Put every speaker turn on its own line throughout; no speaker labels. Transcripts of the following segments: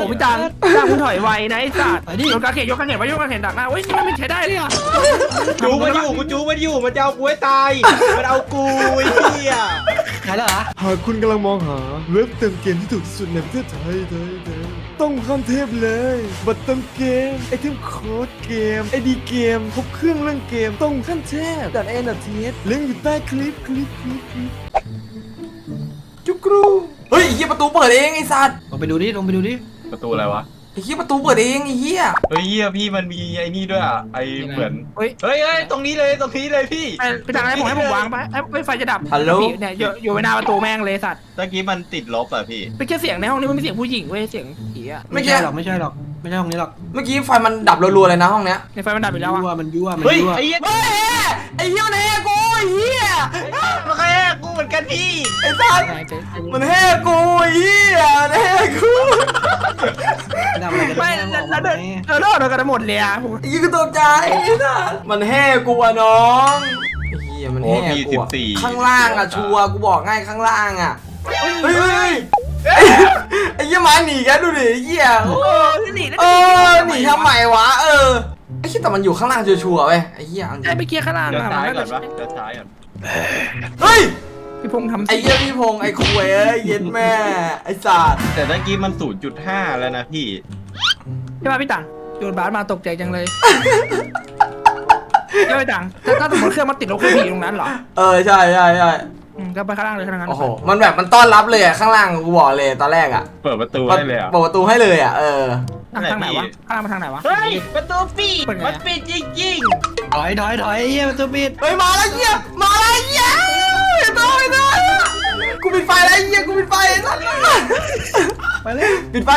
พี่ตังคุณถอยไวนะไอ้สัตว์ยกกระเขนไว้ยกกระเขนดักหน้าเฮ้ยนี่มันไม่ใช้ได้เลยอ่ะ
จูมันอยู่กูจูมันอยู่มันจะเอากูให้ตายมันเอากูไอ้เหี้ย
ใช่แล้วเหรอ
หากคุณกำลังมองหาเว็บเติมเกมที่ถูกที่สุดในประเทศไทยต้องขั้นเทพเลยบัตรเติมเกมไอเทมโค้ดเกมไอดีเกมครบเครื่องเรื่องเกมต้องขั้นเทพดัดเอ็นดัดเทสลิงก์อยู่ใต้คลิป
จุกรูเฮ้ยไอ้เหี้ยประตูเปิดเองไอ้สัตว์
ลงไปดูดิ
ประตูอะไรวะ
ไอ้เหี้ยประตูเปิดเองไอ้เหี้ย
เฮ้ยเหี้ยพี่มันมีไอ้นี่ด้วยอ่ะไอ้เหมือนเฮ้ยตรงนี้เลยพี่
พี่ตังให้ผมวางไปไอ้ไฟจะดับเนี่ยอยู่หน้าประตูแม่งเลยสัตว์
ตะกี้มันติดลบอ่ะพี่
เป็นแค่เสียงในห้องนี้มันมีเสียงผู้หญิงเว้ยเสียงผีอ่ะ
ไม่ใช่หรอกไม่ใช่ห้องนี้หรอก
เมื่อกี้ไฟมันดับรัวๆเลยนะห้องเนี้ย
ในไฟมันดับไปแล้วอ่ะ
มันยั่ว
เฮ้ยไอ้เหี้ย
เฮ้ยไอ้เหี้ยมันแหกกูไอ้เหี้ย
มันแค่กูเหมือนกันพี่
ไอ้สัตว์มันแหกกูไอ้เหี้ยมันแหกกู
ทำอะไรกัน
ไม่แล้วเดินกันหมดเลยอ่ะ
ไอ้เหี้ยกูตกใจไอ้สัตว์มันแหกกูอะน้องไอ้เหี้ยมันแหกกูอะข้างล่างอะชัวร์กูบอกง่ายข้างล่างอะเฮ้ยไอ้เหี้ยมาหนีกันดูดิไอ้เหี้ย
หนี
หนีทำไมวะไอ้คิดแต่มันอยู่ข้างล่างชัวร์ๆเว้ยไอ้เหี้ย
ไอ้ไปเกียร์ข้างล่าง
เดี๋ยว
อ่ะ
ซ้าย
มัน
ก่
ก็
อนวะเดี๋ยวซ้ายก่อน
เฮ้ย
พี่พงษ์ทำ
ไอ้เหี้ยพี่พงษ์ไอ้คุยเอ้ยเย็นแม่ไอ้สัตว์
แต่ตะกี้มัน 0.5 แล้วนะพี่
ใช่ป่ะพี่ตังโยนบาสมาตกใจจังเลยใช่พี่ตังถ้าสมมติเครื่องมันติดลบเครื่องผีตรงนั้นเหรอ
ใช่
ก็ไปข้างล่างเลยข้างล่าง
โอ้โหมันแบบมันต้อนรับเลยอะข้างล่างกูบอกเลยตอนแรกอะ
เปิดประตูให้เลยอ่ะ
เปิดประตูให้เลยอะ
ทางไหนวะข้างล่างมาทางไหนวะ
เฮ้ยประตูปิดมันปิดจริง
ถอยเหี้ยมันตัวปิด
เฮ้ยมาแล้วเหี้ยมาแล้วเหี้ยไอ้ตัวกูปิดไฟแล้วเหี้ยกูปิดไฟไอ้สัตว์
ไปเลย
ปิดไฟ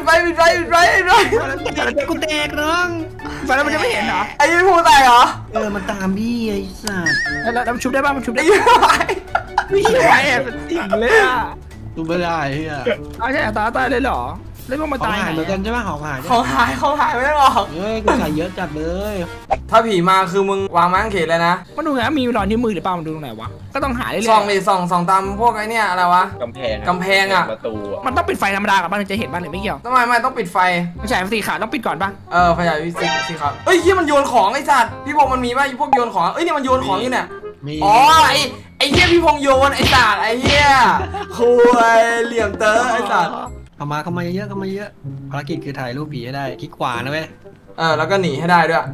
กูแตกน้อง
ไปแล้วมันจะไม่เห็นเหรอ
ไอ้ยี่พูดอะไรเหรอ
มันตามพี่ไอ้สัส
แล้วมันชุบได้ป่ะมันชุบ
ไอ้
ได้
ยี่
ไม่เห็นไอ้ติ่งเลยอ่ะ
ดูไม่ได้เฮีย
เอาใช่ตายเลยเหรอแล้วมันมา
ของ
ตาย
หายเหมือนกันใช่ไหมของหาย
ของหายไม่ได้หรอก
เฮ้ยกูใส่เยอะจัดเลย
ถ้าผีมาคือมึงวางไม้กางเขนเลยนะ
มันดูไงมีรอยนิ้วมือหรือเปล่ามันดูตรงไหนวะก็ต้องหาเรื่อย
ส่องดิส่องตามพวกไอ้เนี่ยอะไรวะ
ๆกำแพง
กำแพงอะ
ประตูอ่ะ
มันต้องปิดไฟธรรมดากับบ้านถึงจะเห็นบ้านหรือไม่เกี่ยว
ไม่ต้องปิดไฟ
ไม่ใช่สีขาวต้องปิดก่อนป่ะ
ไฟฉายวิสิครับเอ้ยเฮียมันโยนของไอ้สัตว์พี่พงษ์มันมีป่ะพวกโยนของเนี่ยมันโยนของอยู่เนี่ย
มี
อ๋อไอ้เฮียพี่พงษ์โยนไอ้สัตว์ไอ้เฮียคุยเหลี่ยมเต๋อไอ้สัตว์
เข้ามาเยอะภารกิจคือถ่ายรูปผีให้ได้คลิกขวานะเว้ย
แล้วก็หนีให้ได้ด้วย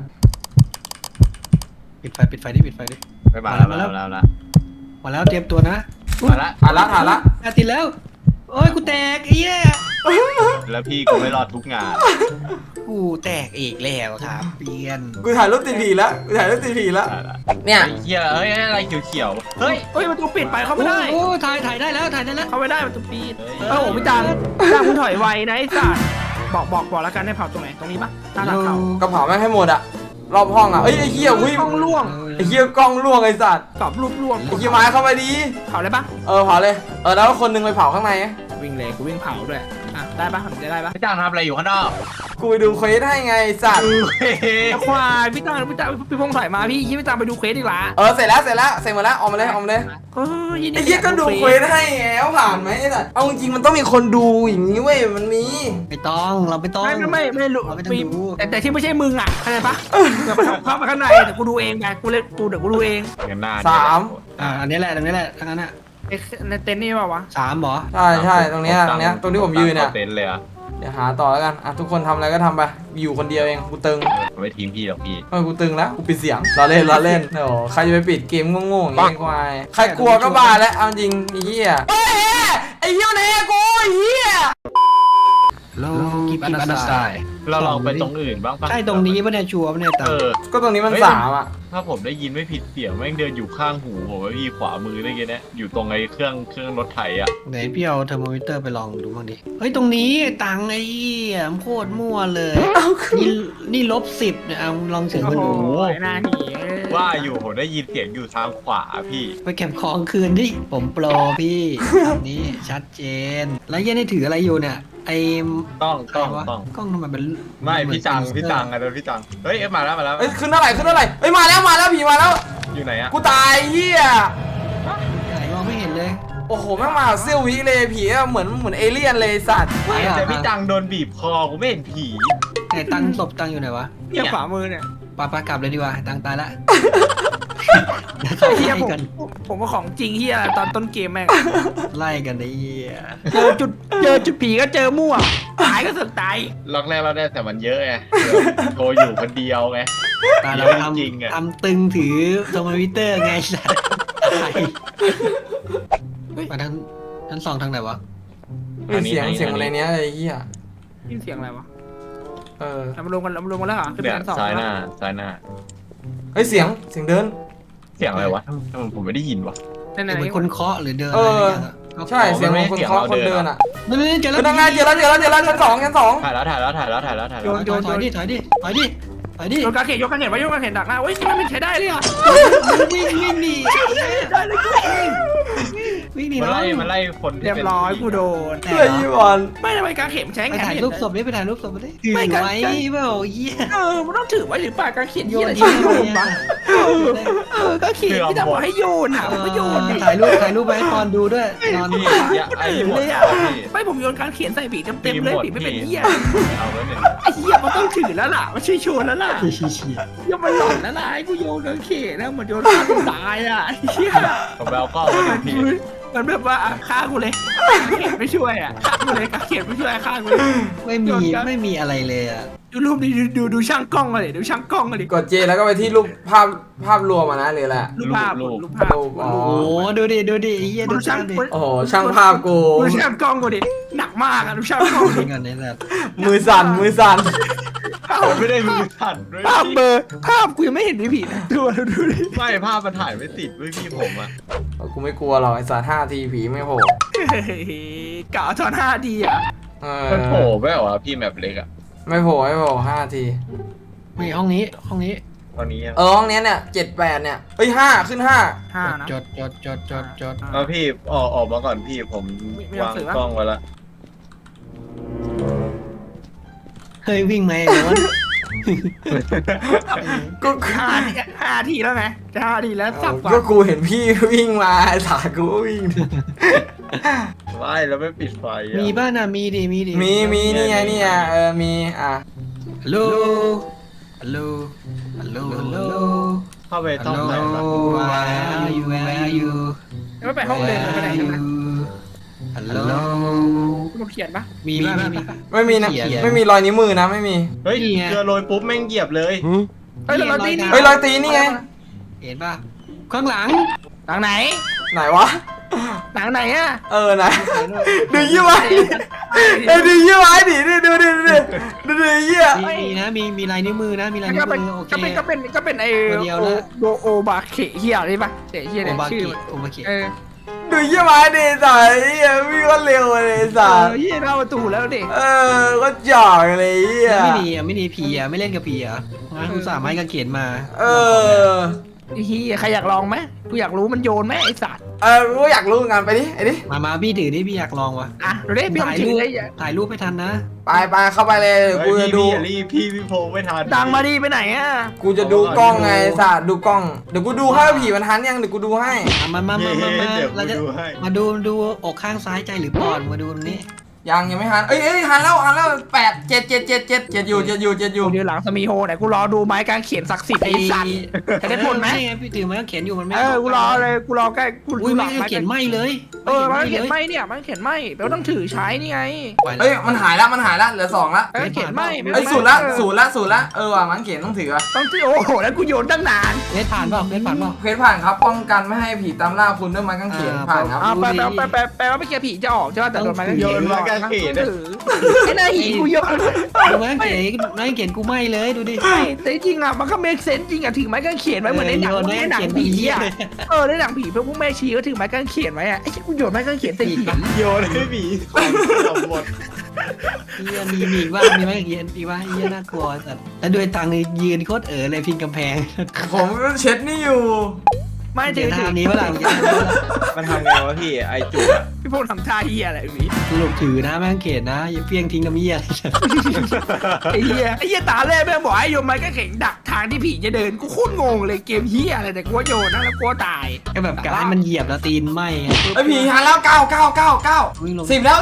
ปิดไฟดิ
ไปมาแล้ว
มาแล้วเตรียมตัวนะ
มาละ
ถ่ายละ
ติดแล้วโอ้ยกูแตกไอ้เหี้ย
แล้วพี่ก็ไม่รอดทุกงาน
กูแตกอีกแล้วครับเปลี่ยน
กูถ่ายรูปติดผีแล้วเนี่ย
ไอ้เหี้ยเอ้ยอะไรเขียวๆเฮ้ย
เฮ้ยประตูปิดไปเข้าไม่ได้
โอ้ถ่ายได้แล้ว
เข้าไม่ได้ประตูปิดโอ้โหพี่ตังคุณถอยไวนะไอ้สัตว์บอกแล้วกันให้เผาตรงไหนตรงนี้ป่ะหน้าหลังเขา
กระเป๋าแม่งให้หมดอะรอบห้องอะไอ้เฮียอุ้ย
กล้องล่วง
ไอ้เฮียกล้องล่วงไอ้สัตว์
กรอบรูปล่วง
ไอ้เฮียไม้เข้าไปดี
เผาเลยป่ะ
เผาเลยแล้วคนนึงไปเผาข้างใน
วิ่งเลยกูวิ่งเผาด้วยได้ป่ะผมจะได้ป่ะ
พี่จ้างทำอะไรอยู่ข้างนอก
กูไปดูเควสให้ไงสัตว์
ควายพี่ตังพี่พงษ์ถอยมาพี่ตังไปดูเควสอีกละ
เสร็จแล้วเสร็จหมดแล้วออกมาเลย ไอ้เหี้ยก็ดูเควสให้แล้วผ่านไหมไอ้สัตว์เอาจริงๆมันต้องมีคนดูอย่างนี้เว้ยมันมี
ไม่ต้องเราไม่ต้อง
ไม่รู้แต่ที่ไม่ใช่มึงอ่ะเข้าใจปะเข้ามาข้างในเดี๋ยวกูดูเองไงเดี๋ยวกูดูเอง
เงินหน้า
อันนี้แหละตรงนี้แหละทั้งนั้นอ่ะ
ในเต็นท์นี่ป่าวะ
3เหรอ
ใช่ตรงนี้ตรงที่ผมยืนเนี่ย
เต็นเลยอ่ะ
เดี๋ยวหาต่อแล้วกันทุกคนทำอะไรก็ทำไปอยู่คนเดียวเองกูตึง
ไม่ทิ้งพี่หรอกพี่
กูตึงแล้วกูปิดเสียงรอเล่นโอ้ใครจะไปปิดเกมโง่ๆอย่างนี้ควายใครกลัวก็บ้าแล้วเอาจริงไอ้เหี้ยไอ้เหี้ยเนี่ยกูไอ้เหี้ย
โลกิปอันดัสไต
เราลองไปตรงอื่นบ้างปะ
ใช่ตรงนี้ปะเนี่ยชัวร์ปะเนี่ยตา
ก็ตรงนี้มัน3อะ
ถ้าผมได้ยินไม่ผิดเสียงแม่งเดินอยู่ข้างหูผมว่าพี่ขวามือได้ไงเนี่ยอยู่ตรงไอ้เครื่องรถไถอ่ะ
ไหนพี่เอาเทอร์โมมิเตอร์ไปลองดูบ้างดิเฮ้ยตรงนี้ตังไอ้โคตรมั่วเลยนี่-10เนี่ยลองเสียง
โอ้
มัน
โห
ดู
หน้าหนี
ว่าอยู่ผมได้ยินเสียงอยู่ทางขวาพี่
ไปเก็บของคืนดิผมโปรพี่นี่ชัดเจนแล้วยันนี่ถืออะไรอยู่เนี่ยไอ้
ต้อง
กล้องทำไมเป็น
ไม่พี่จังอะเดี๋ยวพี่จังเฮ้ยมาแล้ว
ขึ้นเท่าไหร่เฮ้ยมาแล้วผีมาแล้ว
อยู่ไหนอะ
กูตายเหี้ย
ไหนมองไม่เห็นเลย
โอ้โหแม่งมาเซี่ยววิเลยผีอะเหมือนเอเลี่ยนเลยสัตว์
แต่พี่ตังโดนบีบคอกูไม่เห็นผี
ไหนตังศพตังอยู่ไหนวะ
เนี่ยขวามือเนี่ย
ปากลับเลยดีกว่าตังตายละ
ไอ้เฮียผมว่าของจริงเฮียตอนต้นเกมแม่ง
ไล่กันไอ้เหี้ย
เจอจุดผีก็เจอมั่วตายก็สึกตาย
ล็อกแรกเราได้แต่มันเยอะไงโทรอยู่คนเดียวไง
ตาเรา
จริงๆอะ
ทำตึงถือโทรมิเตอร์ไงสัสมาทางชั้น 2ทางไหนวะ
เฮ้ยเสียงอะไรเนี้ยไอ้เหี้ย
ยินเสียงอะไรวะ
เออ
เรามารวมกันแล้วเหรอขึ้น
เนี่
ไป
ย
ชั้น 2
ซ้ายหน้าซ้ายหน้า
เฮ้ยเสียงเดิน
เสียงอะไรวะทำไมผมไม่ได้ยินวะ
นั่น
เหมือนคนเคาะหรือเดิน
เออ
อะไรอย่างเงี้ย
ใช่เสียงของคนเคาะคนเดินอ่ะ
นั่นเจอแล้ว
เป็นยังไงเจอแล้วชั้นสอง
ถ่ายแล้วถ่ายแล้วถ่ายแล้วถ่ายแล้วถ่ายแล้ว
ถอยดิถอยดิ
โยนกระเขนไว้โยนกระเขนดักหน้าเว้ยนี่มันไม่ใช้ได้เลยอ่ะ
วิ่งหนี
ได้เลย
วิ่งหนี
มัน
น้อง
ไล่คนที่
เรียบร้อยกูโดน
เฮ้ยยี่บอล
ไม่ทำไมกระเขนใช้
ไป
งาน
ถ่ายรูปศพดิไปถ่ายรูปศพมาดิถือ
ไม่กัน
ไว้เปล่าเหี้ย
มันต้องถือไว้หรือเปล่ากระเขน
โย
โย
น
น
ทิ้
ที่
ง
โย
ไว้
นปะกระเขนที่ทำให้โยนอ่ะก็โยน
ถ่ายรูปไปให้ตอนดูด้วยนอน
พี่อย่าไอ้หมด
เลยอ่ะ
พี่
ไม่ผมโยนการเขียนใส่ผีเต็มเลยผีไม่เป็นเหี้ย
เอาไว้หนึ่ง
ไอ้เหี้ยมันต้องถือแล้วล่ะมันช่วยโชว์แล้วล่ะ
ชี้
เหี้ยมันหลอนแล้วล่ะไอ้กูโยนการเขียนแล้วมันโยนฆ่าคนตายอ่ะเหี้ย
ผมไปเอากล้องมาดูพี่
มันแบบว่าฆ่ากูเลยเขียนไม่ช่วยอ่ะฆ่ากูเลยการเขียนไม่ช่วยฆ่ากูเลย
ไม่มีอะไรเลยอ่ะ
ดูรูปดิดูช่างกล้องเลยดูช่างกล้องเลย
กดเจแล้วก็ไปที่รูปภาพรวมอ่ะนะหรืออะไร
รูปภาพ
อ๋อ
โอ้ดูดิไอ้เหี้ยดู
ดูช่า
ช่าง งดิ
โอ้โหช่างภาพกู
ดูช่างกล้องกูดิหนักมากอ่ะดูช่างกล้องดิ
ทิ้งกันในแบบ
มือสั่น
ผมไม่ได้มือสั่นด้วย
ภาพเบอร์ภาพกูยังไม่เห็นผีนะตัวดูดิ
ไม่ภาพมันถ่ายไม่ติดด้วยพี่ผมอ่ะ
กูไม่กลัวหรอกไอ้สัตว์5 ทีผีไม่โผล่
กะตอน5 ทีอ่ะ
เอ
มันโผล่
อ
ไม่เหรอพี่แมปเล็กอ่ะ
ไม่โผล่5 ที
มีห้องนี้
ตอนนี้
ห้องเนี้ยเนี่ย7-8เนี่ยเฮ้ย5ขึ้น5
5นะ
จด
เอาพี่ออกมาก่อนพี่ผมวางกล้องไว้ละ
เคยวิ่งไหมหรือว่า
ก็
5 ทีแล้วไงจะ5 ทีแล้วสับกว่า
ก็กูเห็นพี่วิ่งมาไอ้สัตว์กูก็วิ่ง
ไม่แล้วไม่ปิดไฟอ่ะ
มีบ้านน่ะมีดิ
มีนี่ไงมีอ่ะ
ฮัลโหล
เข้าไปต้องไหนวะ
Where are you
ไม่ไปห้องเดินไปไหนกันนะ
ฮัลโหล
คุณเขียนปะ
มีบ้าน
ไม่มีนะ
เขียน
ไม่มีรอยนิ้วมือนะไม่มี
เฮ้ย
นี่ไง
เจอโรยปุ๊บแม่งเหยียบเลย
เฮ้ยเราตีนี่
เฮ้ยรอยตีนนี่ไง
เห็นป่ะข้างหลัง
หลังไหน
ไหนวะ
หลังไหนอ่ะ
ไหนดูยี่ไว้ดูยี่ไว้ดิดูยี่อ่ะ
มีนะมีลายนิ้วมือนะมีลายนิ้
ก็
ว
เป็น
มือโอเค
ก็เป็นไอ้
ตัวเดียวนะ
โอบาเขเฮียอะไรปะเฮีย
โอ
เนี่ย
บา
ชื่อ
กิโอบากิ
ดูยี่ไว้ดิสายวิ่งก็เร็วเลยสาย
เฮียเข้าประตูแล้วดิ
ก็จ่อยเลยอ่ะ
ไม่ดีผีอ่ะไม่เล่นกับผีอ่ะงั้นกูสามารถกางเขนมา
เฮียใครอยากลองไหมกูอยากรู้มันโยนไหมไอ้สัตว์
รู้อยากรู้งานไปดิไอ้ดิ
มาพี่ถือดิพี่อยากลองวะ
อ่ะดูดิพี่
ถ่าย
ถื
รู
อ
ป
ได้
ถ่ายรูปไม่ทันนะ
ไปเข้าไปเลยกูจะดู
พี่โพไม่ทัน
ดังมาดิไปไหนอ่ะ
กูจะดูกล้องไงสาดดูกล้องเดี๋ยวกูดูให้ผีมันทันยังเดี๋ยวกูดูให้
มา
เดี๋ยว
เราจะ
ดูให้
มาดูอกข้างซ้ายใจหรือปอดมาดูตรงนี้
ยังไม่ทันเอ้ยทันแล้ว8 7อยู่
เดี๋ยวหลังสมีโฮไหนกูรอดูไม้กางเขียนศักดิ์สิทธิ์ไอ้สัตว์จะได้ผลไหม
ไงพี่ถือไม้กางเขนอยู่มันไม่
กูรอเลยกูรอใกล้กู
อุ้ย
ห
ไม้
ลัง
กางเขนไหมเลย
ไม้กางเขียนไหมเนี่ยไม้กางเขียนไหมแปลว่าต้องถือใช้นี่ไง
เฮ้ยมันหายแล้วเหลือ2ละ
ไม้กางเขียนไหม
เอ้ยศูนย์ละว่ะมันเขียนต้องถือ
ต้องถือโอ้โหแล้วกูโยนตั้งนาน
เล่นผ่านเปล่า
เพจผ่านครับป้องกันไม่ให้ผีตามล่าคุณด้วยไม้กางเขนผ่านครับ
แปลว่าไม่เกี่ยวผีจะออกใช่ป่ะแต่โดนไม้กางเข
โย
น
นมาการเขน
ถือไอ้หน้าหีกูโยน
ดูไม้กางเขนกูไหมเลยดูดิ
แต่จริงอ่ะมันก็เมคเซนจริงอ่ะถือไม้กางเขนไว้เหมือนในหนังผีอ่ะในหนังผีพวกแม่ชีก็ถือไม้กางเขนไว้อ่ะไอ้ที่กูโยนไม้กางเขนใส่ผี
โยนให้ผีหมด
มีว่ามีไม้กางเขนอีว่าเยี่ยน่ากลัวแต่แล้วด้วยตังค์ยืนโคตรเลยพิงกำแพง
ผมเช็ดนี่อยู่
ไม่ถื
เจ
อ
อทางนี้เมื่อไหร่
มันทำไงวะพี่ไอจุก
พี่พวกทำท่าเฮียอะไรผี
สรุปถือนะไม้กางเขนนะอย่าเพี้ยงทิ้งน้ำเยี่ย
ไอ้เฮียตาแรกแม่บอกให้โยนไม้กางเขนดักทางที่ผีจะเดินกูโคตรงงเลยเกมเฮียอะไรแต่กูโยนนะแล้วกูตาย
ก็แบบการให้มันเหยียบแล้วตีนไหม
ไอ้ผีหันแล้ว9
วิ่งลง
10แล้ว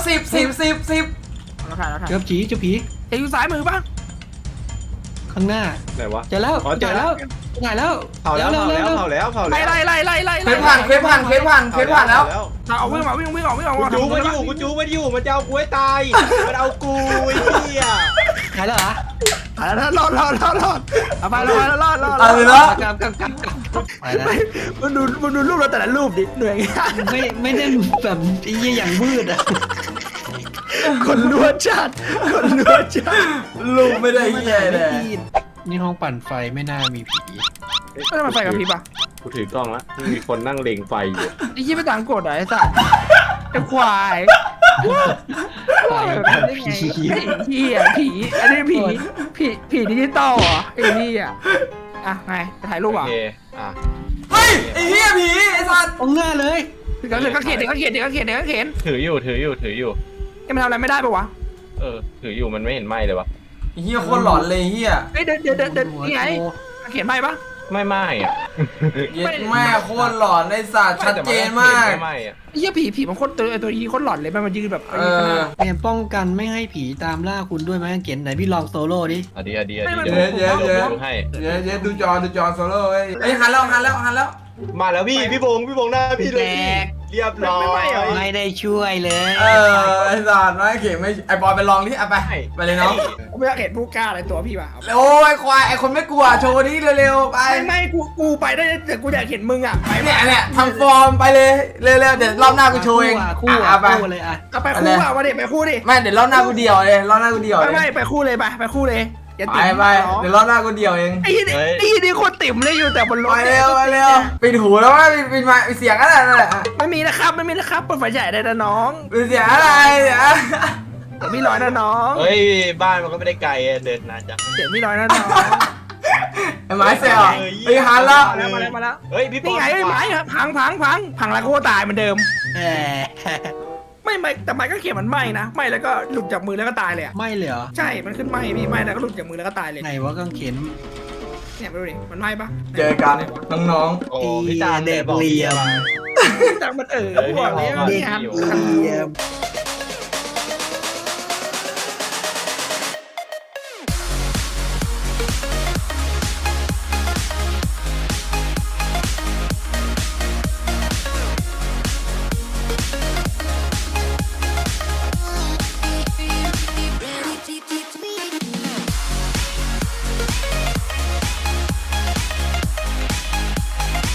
10
เราถ่ายเราถ่าย
เจ้าผีเจ้าผี
จะอยู่ซ้ายมือป่ะ
ข้างหน้า
ไหนวะ
เจอแล้ว
อ๋อเจอแล้ว
ถ่ายแล้ว
เผาแล้วเผาแล้วเผาแล้วเผา
ไล่
แล้ว
ไล่
เคสผ่านแล้ว
เอาวิ่งออกวิ่งออก
กูจูมันอยู่มันจะเอากูให้ตายมันเอากูไอ้เหี้ย
ถ่ายแล้วเหรอ
ถ่ายแล้วรอดเอาไปรอด
เอาเลยเนาะ
กลับไปนะ
มันดูรูปเราแต่ละรูปดิเหนื่อย
ไม่ได้แบบไอ้ยี่อย่างมืดอ่ะ
คนลวดจัด
ลูกไม่ได้เหี้ยเลย
นี่ห้องปั่นไฟไม่น่ามีผี
ไม่ต้องมาไฟกับพี่ป่ะ
กูถือกล้องแล้วมีคนนั่งเล็งไฟอยู่
ไอ้ยี่ไม่ต่างกดไอ้สัตว์ไอ้ควาย
ไฟ
ได้ไงผีอันนี้ผีดิจิตอลเหรอไอ้นี่อ่ะไงจะถ่ายรู
โอ
ปอ่ะ
เคอ่ะ
เฮ้ยไอ้เหี้ยผีไอ้สัตว์
ตรงหน้าเลย
เดี๋ยวก็เขียน
ถืออยู่
จะมาทำอะไรไม่ได้ปะวะ
ถืออยู่มันไม่เห็นไหมเลยวะ
ไอ้เหี้ยโคตรหลอนเลยเหี้ย
เฮ้ยเดินนี่ไงเขียนไม่ปะ
ไม่อ่ะ
เย็ดแม่โคตรหลอนไอ้สัตว์ชัดเจนมาก
ไม่อ่ะ
ไอ้เหี้ยผีมันโคตรตัวยีโคตรหลอนเลยมันยืนแบบ
เตรียมป้องกันไม่ให้ผีตามล่าคุณด้วยไหมเขียนไหนพี่ลองโซโล่ดิ
อดีเดี๋
เย้
ยวดูให้
เดี๋ยวดูจอโซโล่เอ้ยหันแล้ว
มาแล้วพี่บงหน้าพี่เลยเรียบร้อย
ไม่ได้ช่วยเลย
ไอ้สัตว์ไม่เข็มไม่ไอ้บอยไปลองดิเอาไปเลยน้อง
ไม่อยากเห็นผู้กล้าอะไรตัวพี่ป่ะ
โอ้ยควายไอ้คนไม่กลัวโชว์นี้เร็วๆไป
ไม่กูไปได้แต่กูอยากเห็นมึงอ่ะไป
เนี่ยทำฟอร์มไปเลยเร็วๆเดี๋ยวรอบหน้ากูโชว์เอง
คู่
ไป
เลยอ่ะ
ก็ไปคู่อ่ะมาดิไปคู่ดิ
ไม่เดี๋ยวรอบหน้ากูเดี่ยวเลยรอบหน้ากูเดี่ยวเลย
ไม่ไปคู่เลยไปคู่เลยอย่า
ไป
ติ่ม
เดี๋ยวรอบหน้ากูเดี่ยวเอง
ไอ้นี่โคตรติ่มเลยอยู่แต่บนรถ
ไปเร็วปิดหูแล้วว่าปิดมาเสียงอะไรนั่นแหละ
ไม่มีนะครับเปิดไฟฉายได้นะน้อง
ปิดเสียงอะไรเนี่ย
เดี๋ยวพี่ร้อยนะน้อง
เฮ้ยบ้านมันก็ไม่ได้ไกลเดินนานจัง
เดี๋ยวพี่ร้อยนะน้อง
ไอ้ไม้เสียงไปหันแล้ว
มาแล้ว
เฮ้ยพี่
นี่ไงไอ้ไม้พังแล้วก็ตายเหมือนเดิมไม่แต่ไม้ก็เขียนมันไหม้นะไหม้แล้วก็หลุดจากมือแล้วก็ตายเลยอ่ะ
ไม่เลยเหรอ
ใช่มันขึ้นไหม้พี่ไหม้แล้วก็หลุดจากมือแล้วก็ตายเลย
ไหนว่ากังเขียน
เนี่ยไปดูดิมันไหม้ปะ
เจอกันน้อง
โอ้พี่จาน
เด็กเรียม
จากมันบอกเลย
เด็ก
เนี่ยครับ
เรียม